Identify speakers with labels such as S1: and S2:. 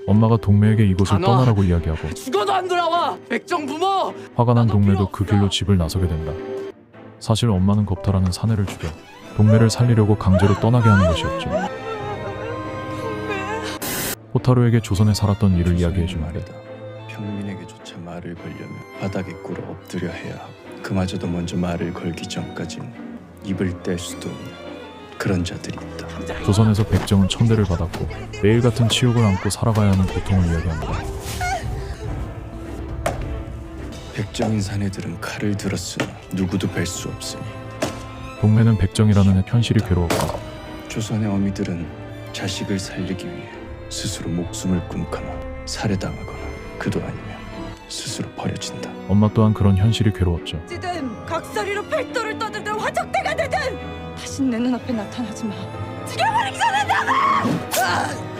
S1: 엄마가 동매에게 이곳을
S2: 안 와.
S1: 떠나라고 이야기하고
S2: 죽어도 안 돌아와. 백정 부모.
S1: 화가 난
S2: 나도
S1: 동매도
S2: 필요
S1: 그
S2: 없어.
S1: 길로 집을 나서게 된다. 사실 엄마는 겁탈하는 사내를 죽여 동매를 살리려고 강제로 떠나게 하는 것이었죠. 호타루에게 조선에 살았던 일을 이야기해주는데
S3: 말이다. 평민에게조차 말을 걸려면 바닥에 꿇어 엎드려 해야 하고 그마저도 먼저 말을 걸기 전까진 입을 뗄 수도 없는 그런 자들이 있다.
S1: 조선에서 백정은 천대를 받았고 매일 같은 치욕을 안고 살아가야 하는 고통을 이야기합니다.
S3: 백정인 사내들은 칼을 들었으나 누구도 뵐 수 없으니
S1: 동매는 백정이라는 현실이 괴로웠고
S3: 조선의 어미들은 자식을 살리기 위해 스스로 목숨을 끊거나 살해당하거나 그도 아니면 스스로 버려진다.
S1: 엄마 또한 그런 현실이 괴로웠죠.
S4: 찌든 각설이로 팔도를 떠들든 화적대가 되든 다신 내 눈앞에 나타나지 마. 죽여버리기 전에 나가!